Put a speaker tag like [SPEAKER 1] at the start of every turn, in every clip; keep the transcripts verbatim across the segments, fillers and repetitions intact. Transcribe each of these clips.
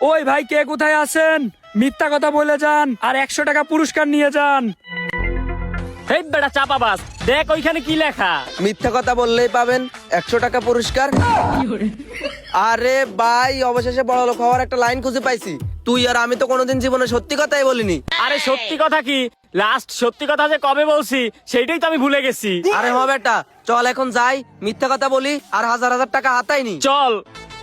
[SPEAKER 1] ওই ভাই, কে কোথায় আছেন? মিথ্যা কথা বলে যান আর একশো টাকা পুরস্কার নিয়ে যান।
[SPEAKER 2] এই বেটা চাপাবাজ, দেখ ওইখানে কি লেখা।
[SPEAKER 3] মিথ্যা কথা বললেই পাবেন একশো টাকা পুরস্কার। আরে ভাই, অবশেষে বড় লোক হওয়ার একটা লাইন খুঁজে পাইছি। তুই আর আমি তো কোনোদিন জীবনে সত্যি কথাই বলিনি।
[SPEAKER 2] আরে সত্যি কথা কি, লাস্ট সত্যি কথা যে কবে বলছি সেইটাই তো আমি ভুলে গেছি।
[SPEAKER 3] আরে হ বেটা, চল এখন যাই, মিথ্যা কথা বলি আর হাজার হাজার টাকা হাতাইনি।
[SPEAKER 2] চল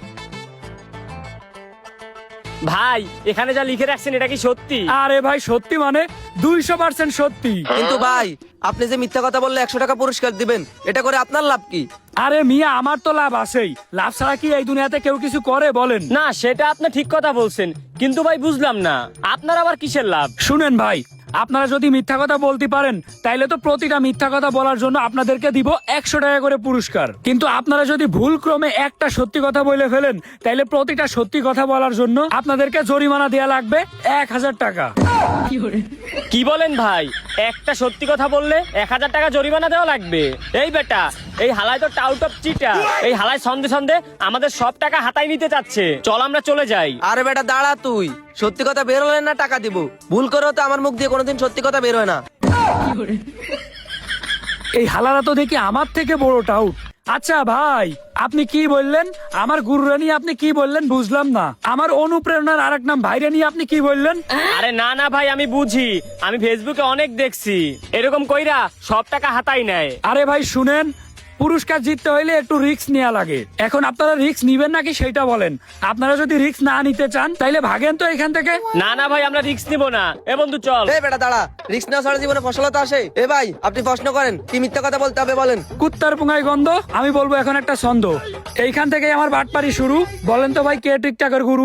[SPEAKER 2] ভাই, এখানে যা লিখে রাখছেন এটা কি সত্যি?
[SPEAKER 1] আরে ভাই সত্যি মানে দুইশো পার্সেন্ট সত্যি।
[SPEAKER 3] কিন্তু ভাই, আপনি যে মিথ্যা কথা বললে একশো টাকা পুরস্কার দিবেন, এটা করে আপনার লাভ কি?
[SPEAKER 1] আরে মিয়া, আমার তো লাভ আছেই। লাভ ছাড়া কি এই দুনিয়াতে কেউ কিছু করে বলেন?
[SPEAKER 2] না, সেটা আপনি ঠিক কথা বলছেন, কিন্তু ভাই বুঝলাম না আপনার আবার কিসের লাভ?
[SPEAKER 1] শুনেন ভাই, আপনারা যদি মিথ্যা কথা বলতে পারেন তাইলে তো প্রতিটা মিথ্যা কথা বলার জন্য আপনাদেরকে দিব একশো টাকা করে পুরস্কার। কিন্তু আপনারা যদি ভুল ক্রমে একটা সত্যি কথা বলে ফেলেন তাইলে প্রতিটা সত্যি কথা বলার জন্য আপনাদেরকে জরিমানা দেয়া লাগবে এক হাজার টাকা।
[SPEAKER 2] কি বলেন ভাই, একটা সত্যি কথা বললে এক হাজার টাকা জরিমানা দেওয়া লাগবে? এই বেটা, এই হালাই তো টাউট অফ চিটা। এই হালাই সন্ধে সন্ধে আমাদের সব টাকা হাতায় নিতে চাচ্ছে। চল আমরা চলে যাই।
[SPEAKER 3] আরে বেটা দাঁড়া, তুই সত্যি কথা বের হলে না টাকা দিব। ভুল করেও তো আমার মুখ দিয়ে কোনোদিন সত্যি কথা বের হয় না।
[SPEAKER 1] এই হালারা তো দেখি আমার থেকে বড় টাউট। আচ্ছা ভাই, আপনি কি বললেন? আমার গুরুরা নিয়ে আপনি কি বললেন বুঝলাম না। আমার অনুপ্রেরণার আরেক নাম ভাইরা নিয়ে আপনি কি বললেন?
[SPEAKER 2] আরে না না ভাই, আমি বুঝি, আমি ফেসবুকে অনেক দেখছি এরকম কইরা সব টাকা হাতাই নেয়।
[SPEAKER 1] আরে ভাই শুনেন, পুরস্কার জিততে হইলে একটু রিস্ক নেওয়া লাগে। এখন আপনারা রিস্ক নিবেন নাকি সেটা বলেন। আপনারা যদি রিস্ক না নিতে চান তাইলে ভাগেন তো এখান থেকে।
[SPEAKER 2] না না ভাই, আমরা রিস্ক নিব না। এ বন্ধু চল।
[SPEAKER 3] এই বেটা দাঁড়া, রিস্ক না ছাড়া জীবনে ফসলতা আসে? এ ভাই, আপনি প্রশ্ন করেন, কি মিথ্যা কথা বলতে হবে বলেন।
[SPEAKER 1] কুত্তার পুঙ্গায় গন্ধ। আমি বলবো এখন একটা ছন্দ। এইখান থেকে আমার বাটপারি শুরু। বলেন তো ভাই, কে টিকটকের গুরু?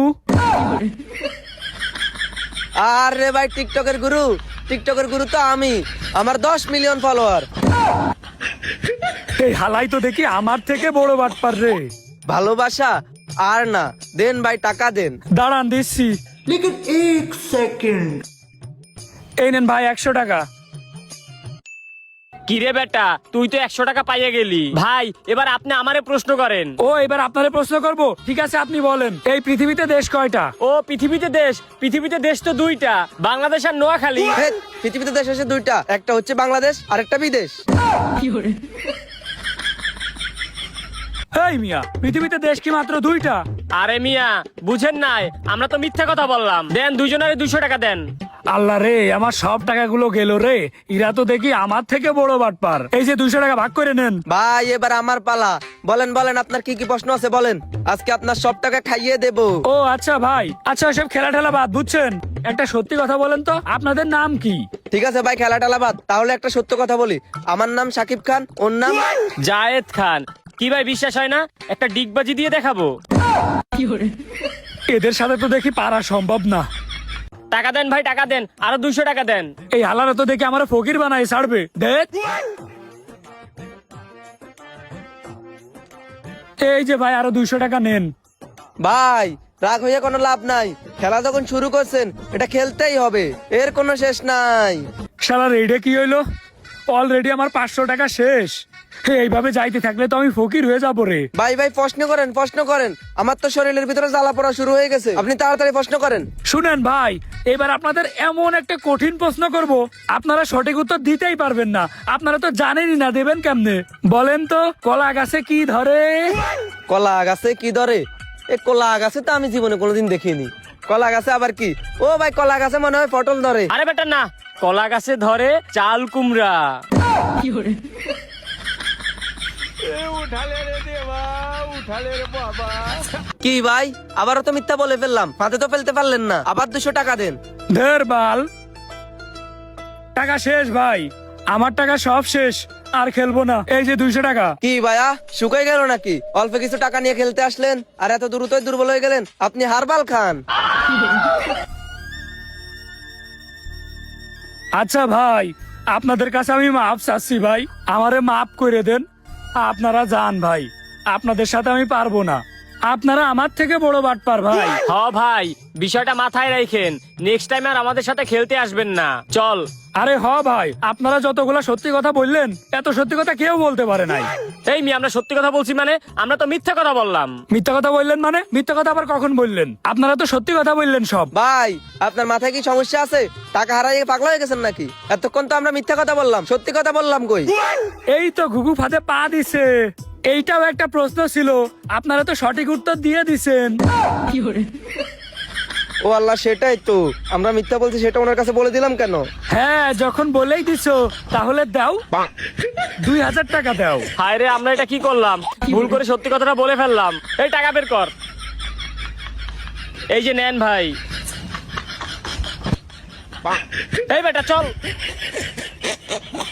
[SPEAKER 3] আরে ভাই, টিকটকের গুরু? টিকটকের গুরু তো আমি। আমার দশ মিলিয়ন ফলোয়ার।
[SPEAKER 1] এই হালাই তো দেখি আমার থেকে বড় বাটপার রে।
[SPEAKER 3] ভালোবাসা আর না, দেন ভাই টাকা দেন।
[SPEAKER 1] দাঁড়ান দিচ্ছি।
[SPEAKER 4] लेकिन एक सेकंड।
[SPEAKER 1] এই নেন ভাই একশো টাকা।
[SPEAKER 2] কিরে বেটা, তুই তো একশো টাকা পাইয়ে গেলি। ভাই এবার আপনি আমারে প্রশ্ন করেন।
[SPEAKER 1] ও, এবার আপনারে প্রশ্ন করব। ঠিক আছে, আপনি বলেন, এই পৃথিবীতে দেশ কয়টা?
[SPEAKER 2] ও পৃথিবীতে দেশ, পৃথিবীতে দেশ তো দুইটা, বাংলাদেশ আর নোয়াখালী।
[SPEAKER 3] হে, পৃথিবীতে দেশ আছে দুইটা, একটা হচ্ছে বাংলাদেশ আর একটা বিদেশ।
[SPEAKER 1] এই মিয়া, পৃথিবীতে দেশ কি মাত্র দুইটা?
[SPEAKER 2] আরে মিয়া বুঝেন নাই, আমরা তো মিথ্যা কথা বললাম। দেন দুইজনের দুইশো টাকা দেন।
[SPEAKER 1] আল্লাহ রে, আমার সব টাকাগুলো গেল রে। ইরা তো দেখি আমার থেকে বড় বাটপার। এই যে দুইশো টাকা ভাগ করে নেন।
[SPEAKER 3] ভাই এবার আমার পালা। বলেন বলেন, আপনার কি কি প্রশ্ন আছে বলেন, আজকে আপনার সব টাকা খাইয়ে দেব।
[SPEAKER 1] ও আচ্ছা ভাই, আচ্ছা সব খেলা ঠেলা বাদ, বুঝছেন? একটা সত্যি কথা বলেন তো, আপনাদের নাম কি?
[SPEAKER 3] ঠিক আছে ভাই, খেলা টেলা বাদ, তাহলে একটা সত্য কথা বলি। আমার নাম সাকিব খান, ওর নাম
[SPEAKER 2] জায়েদ খান। কি ভাই বিশ্বাস হয় না? একটা ডিগবাজি দিয়ে দেখাবো।
[SPEAKER 1] এদের সাথে তো দেখি পারা সম্ভব না।
[SPEAKER 2] টাকা দেন ভাই, টাকা দেন, আরো দুইশো টাকা দেন।
[SPEAKER 1] এই হালারা তো দেখি আমার ফকির বানাই ছাড়বে। দেখ, এই যে ভাই আরো দুইশো টাকা নেন।
[SPEAKER 3] ভাই রাগ হয়ে কোনো লাভ নাই। খেলা যখন শুরু করছেন, এটা খেলতেই হবে, এর কোনো শেষ নাই।
[SPEAKER 1] শালা রেডে কি হইলো? অলরেডি আমার পাঁচশো টাকা শেষ। এইভাবে যাইতে থাকলে তো আমি ফকির হয়ে যাবো রে।
[SPEAKER 3] ভাই ভাই প্রশ্ন করেন, প্রশ্ন করেন, আমার তো শরীরের ভিতরে জ্বালা পড়া শুরু হয়ে গেছে। আপনি তাড়াতাড়ি প্রশ্ন করেন।
[SPEAKER 1] শুনেন ভাই, এবার আপনাদের এমন একটা কঠিন প্রশ্ন করব, আপনারা সঠিক উত্তর দিতেই পারবেন না। আপনারা তো জানেনই না, দেবেন কেমনে? বলেন তো, কলা গাছে কি ধরে?
[SPEAKER 3] কলা গাছে কি ধরে? এ কলা গাছে তো আমি জীবনে কোনোদিন দেখিনি। কলা গাছে আবার কি? ও ভাই, কলা গাছে মনে হয় পটল ধরে।
[SPEAKER 2] আরে বেটা না, কলা গাছে ধরে চাল কুমড়া।
[SPEAKER 3] কি ভাই, আবারও তো মিথ্যা বলে ফেললাম, হাতে তো ফেলতে পারলেন না, আবার দুশো টাকা দেন।
[SPEAKER 1] ধের বাল, টাকা শেষ ভাই, আমার টাকা সব শেষ, আর খেলবো না। এই যে দুইশো টাকা।
[SPEAKER 3] কি ভাইয়া, শুকাই গেল নাকি? অল্প কিছু টাকা নিয়ে খেলতে আসলেন আর এত দ্রুতই দুর্বল হয়ে গেলেন। আপনি হারবাল খান।
[SPEAKER 1] আচ্ছা ভাই, আপনাদের কাছে আমি মাপ চাচ্ছি ভাই, আমারে মাফ করে দেন। আপনারা যান ভাই, আপনাদের সাথে আমি পারবো না। আপনারা আমার থেকে বড় বাটপার ভাই।
[SPEAKER 2] হ ভাই, বিষয়টা মাথায় রাখেন, নেক্সট টাইম আর আমাদের সাথে খেলতে আসবেন না। চল।
[SPEAKER 1] আরে হ ভাই, আপনারা যতগুলা সত্যি কথা বললেন এত সত্যি কথা কেউ বলতে পারে নাই।
[SPEAKER 2] এই মি আমরা সত্যি কথা বলছি মানে? আমরা তো মিথ্যা কথা বললাম।
[SPEAKER 1] মিথ্যা কথা বললেন মানে? মিথ্যা কথা আবার কখন বললেন? আপনারা তো সত্যি কথা বললেন সব।
[SPEAKER 3] ভাই আপনার মাথায় কি সমস্যা আছে? টাকা হারাই পাগলা হয়ে গেছেন নাকি? এতক্ষণ তো আমরা মিথ্যা কথা বললাম, সত্যি কথা বললাম কই?
[SPEAKER 1] এই তো ঘুঘু ফাঁদে পা দিছে। এইটাও একটা প্রশ্ন ছিল, আপনারা তো সঠিক উত্তর দিয়ে দিছেন।
[SPEAKER 3] ও আল্লাহ, সেটাই তো, আমরা মিথ্যা বলছি সেটা ওনার কাছে বলে দিলাম কেন?
[SPEAKER 1] হ্যাঁ, যখন বলেই দিছো তাহলে দাও, দুই হাজার টাকা দাও।
[SPEAKER 2] হায় রে, আমরা এটা কি করলাম? ভুল করে সত্যি কথাটা বলে ফেললাম। এই টাকা বের কর। এই যে নেন ভাই। এই বেটা চল।